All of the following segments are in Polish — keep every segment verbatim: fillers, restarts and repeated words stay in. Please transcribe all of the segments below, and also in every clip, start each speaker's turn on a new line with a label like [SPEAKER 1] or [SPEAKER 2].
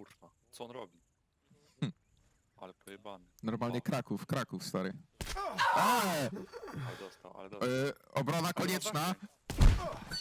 [SPEAKER 1] kurwa. Co on robi?
[SPEAKER 2] Hm.
[SPEAKER 1] Ale pojebany.
[SPEAKER 2] Normalnie
[SPEAKER 1] O.
[SPEAKER 2] Kraków, Kraków, stary. Eee!
[SPEAKER 1] Ale dostał, ale dostał.
[SPEAKER 2] E, obrona
[SPEAKER 1] Ale ma
[SPEAKER 2] konieczna.
[SPEAKER 1] zasięg.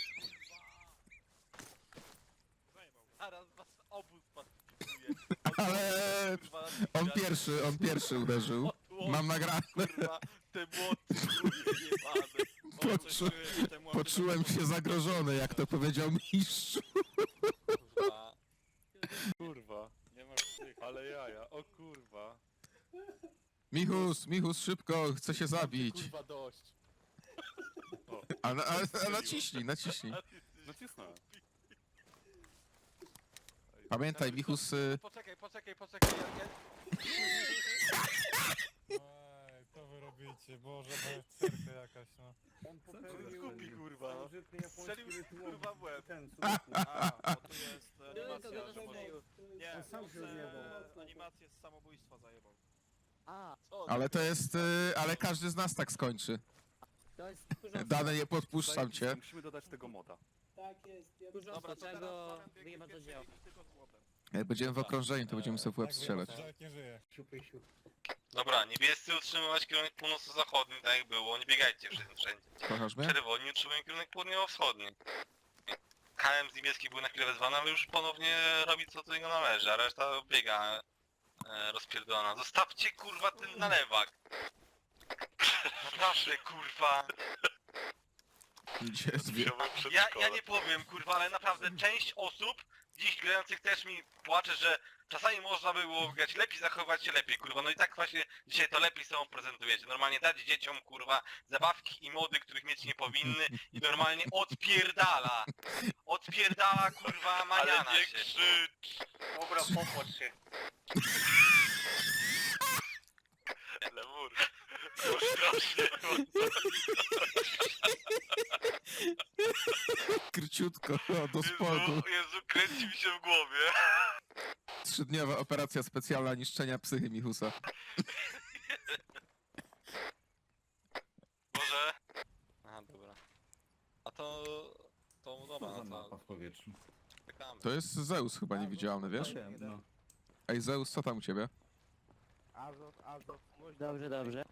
[SPEAKER 3] Zaraz was obu spacyfikuje.
[SPEAKER 2] Ale on pierwszy, on pierwszy uderzył. Mam nagrane.
[SPEAKER 3] Kurwa, te młoty jebane.
[SPEAKER 2] Poczu poczułem się zagrożony, jak to powiedział mistrz.
[SPEAKER 3] Kurwa.
[SPEAKER 1] Kurwa. Nie masz tych, ale jaja. O kurwa.
[SPEAKER 2] Michus, Michus, szybko, chcę się zabić.
[SPEAKER 3] Kurwa dość.
[SPEAKER 1] O,
[SPEAKER 2] A, na, a, a naciśnij, naciśnij.
[SPEAKER 1] nacisnąłem.
[SPEAKER 2] Pamiętaj, Michus... Y...
[SPEAKER 3] Poczekaj, poczekaj, poczekaj. Ja, ja...
[SPEAKER 4] Ej, co wy robicie? Boże, berserka jakaś, no.
[SPEAKER 5] On popełnił
[SPEAKER 3] Kupi kurwa. no.
[SPEAKER 5] starożytny japoński
[SPEAKER 3] Strzelił
[SPEAKER 5] rytuał
[SPEAKER 3] kurwa w łeb.
[SPEAKER 5] ten, sudoku.
[SPEAKER 6] A, bo tu jest animacja,
[SPEAKER 5] to
[SPEAKER 6] że może... Nie,
[SPEAKER 5] On sam
[SPEAKER 6] on
[SPEAKER 5] się
[SPEAKER 6] se
[SPEAKER 5] odjebał.
[SPEAKER 6] animację z samobójstwa zajebał.
[SPEAKER 7] A,
[SPEAKER 3] Co?
[SPEAKER 2] Ale to jest... Y... Ale każdy z nas tak skończy.
[SPEAKER 7] to jest tchórzostwo.
[SPEAKER 2] Dane, nie podpuszczam cię.
[SPEAKER 1] Musimy dodać tego moda.
[SPEAKER 5] Tak jest. Ja
[SPEAKER 7] Tchórzostwo,
[SPEAKER 6] Dobra, to
[SPEAKER 7] trzeba
[SPEAKER 6] teraz
[SPEAKER 7] go
[SPEAKER 6] Fabian biegnie
[SPEAKER 7] wyjebać do
[SPEAKER 6] pierwszy,
[SPEAKER 7] dzieła.
[SPEAKER 6] biegnie tylko z młotem.
[SPEAKER 2] Jak będziemy w okrążeniu, to będziemy sobie w łeb
[SPEAKER 4] Tak,
[SPEAKER 2] strzelać.
[SPEAKER 4] wiem, że nie żyje.
[SPEAKER 5] siupy, siup.
[SPEAKER 8] Dobra, niebiescy utrzymywać kierunek północno-zachodni, tak jak było, nie biegajcie wszędzie. wszędzie.
[SPEAKER 2] Kochasz mnie?
[SPEAKER 8] Czerwoni utrzymują kierunek południowo-wschodni. K M z niebieskich był na chwilę wezwany, ale już ponownie robi co do niego należy, a reszta biega e, rozpierdolona. Zostawcie kurwa ten nalewak! Proszę kurwa!
[SPEAKER 2] Gdzie jest wie?
[SPEAKER 8] Ja, ja nie powiem kurwa, ale naprawdę część osób dziś grających też mi płacze, że czasami można by było grać lepiej, zachowywać się lepiej kurwa. No i tak właśnie dzisiaj to lepiej sobą prezentujecie. Normalnie dać dzieciom kurwa zabawki i mody, których mieć nie powinny i normalnie odpierdala. Odpierdala kurwa maniana się. Krzycz. Dobra, popłacz się. Lemur. Strasznie.
[SPEAKER 2] Króciutko, o, do spodu.
[SPEAKER 8] Jezu, Jezu, kręci mi się w głowie.
[SPEAKER 2] Trzydniowa operacja specjalna niszczenia psychy Michusa.
[SPEAKER 8] Może?
[SPEAKER 3] Aha, dobra. A to... To dobra,
[SPEAKER 5] Co za
[SPEAKER 3] no
[SPEAKER 5] mapa
[SPEAKER 3] to
[SPEAKER 5] w powietrzu?
[SPEAKER 3] czekamy.
[SPEAKER 2] To jest Zeus chyba niewidzialny, wiesz?
[SPEAKER 5] Wiem, no.
[SPEAKER 2] Ej Zeus, co tam u ciebie?
[SPEAKER 5] Azot, azot.
[SPEAKER 7] Dobrze, dobrze.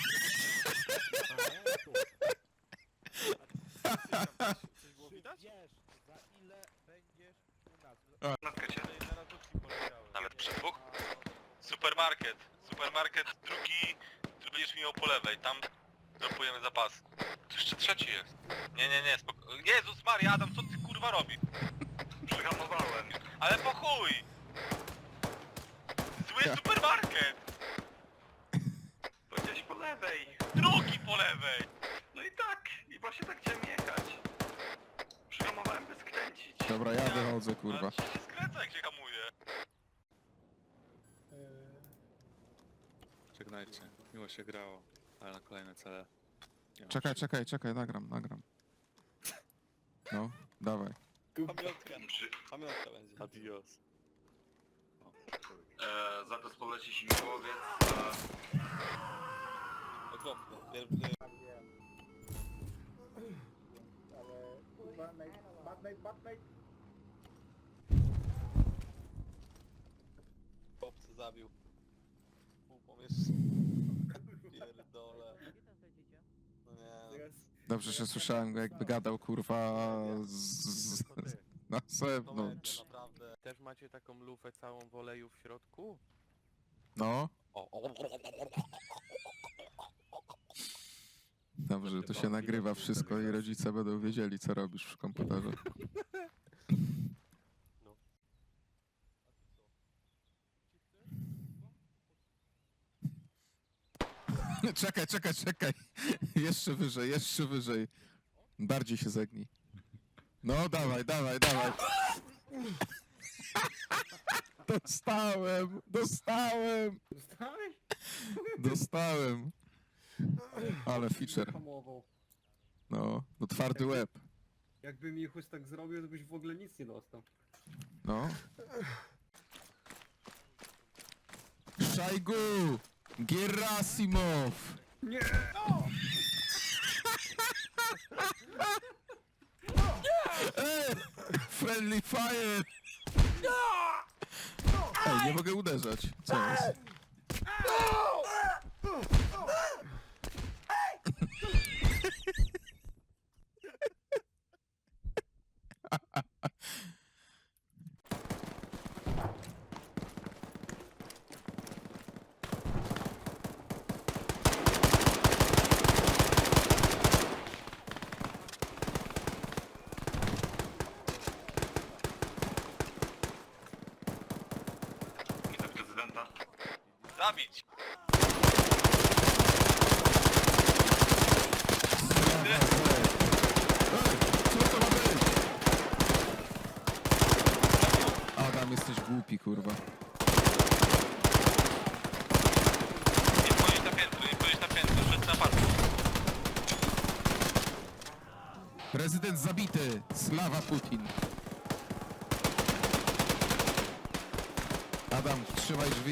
[SPEAKER 6] Coś było widać?
[SPEAKER 5] Wiesz, za ile będziesz u nas?
[SPEAKER 6] Ej, na redukcji poleciały.
[SPEAKER 8] Nawet przy dwóch? Supermarket. Supermarket drugi, który będziesz miał po lewej. Tam dropujemy zapas. Tu jeszcze trzeci jest. Nie, nie, nie, spoko... Jezus Maria, Adam, co ty kurwa robisz? Przyhamowałem. Ale po chuj! Zły supermarket! To gdzieś po lewej. Drugi po lewej! No i tak, i właśnie tak chciałem jechać. Przyhamowałem bez kręcić.
[SPEAKER 2] Dobra, ja wychodzę, kurwa.
[SPEAKER 8] Ale się skręca jak się hamuje.
[SPEAKER 1] Żegnajcie. Miło się grało. Ale na kolejne cele. Nie ma
[SPEAKER 2] Czekaj,
[SPEAKER 1] przy-
[SPEAKER 2] czekaj, czekaj, nagram, nagram. No, dawaj.
[SPEAKER 3] Pamiątka. Pamiątka będzie.
[SPEAKER 1] Adios.
[SPEAKER 8] Eee, za to poleci śmigłowiec.
[SPEAKER 3] Okropnie. Pierwszy...
[SPEAKER 5] Ale... Batmate, Batmate, Batmate.
[SPEAKER 3] Chłopcy zabił. Pół pomieszczenia. Pierdole.
[SPEAKER 7] Gdzie tam lecicie?
[SPEAKER 3] No nie.
[SPEAKER 2] Dobrze, że słyszałem go jakby gadał, kurwa, z, z, na
[SPEAKER 3] To
[SPEAKER 2] zewnątrz.
[SPEAKER 3] będzie naprawdę.
[SPEAKER 9] Też macie taką lufę całą w oleju w środku?
[SPEAKER 2] No,
[SPEAKER 3] O, o,
[SPEAKER 2] dobrze, to się nagrywa wszystko i rodzice będą wiedzieli, co robisz w komputerze. Czekaj, czekaj, czekaj. Jeszcze wyżej, jeszcze wyżej. Bardziej się zegnij. No, dawaj, dawaj, dawaj. Dostałem, dostałem,
[SPEAKER 5] Dostałeś?
[SPEAKER 2] dostałem. Ale feature.
[SPEAKER 5] Hamował.
[SPEAKER 2] No, no twardy łeb.
[SPEAKER 5] Jakby Michus tak zrobił, to byś w ogóle nic nie dostał.
[SPEAKER 2] No. Szajgu! Gerasimow!
[SPEAKER 5] Nie!
[SPEAKER 2] Ej! Friendly fire! Ej, nie mogę uderzać. Co jest?
[SPEAKER 8] Wiceprezydenta. Zabić!
[SPEAKER 2] Ej, co to ma być? Adam, jesteś głupi, kurwa.
[SPEAKER 8] Nie wchodzić na piętro, nie wchodzić na piętro, szedł na parku.
[SPEAKER 2] Prezydent zabity. Slawa Putin. Adam, trzymaj drzwi.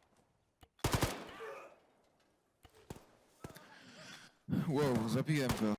[SPEAKER 2] Wow, zabiłem go.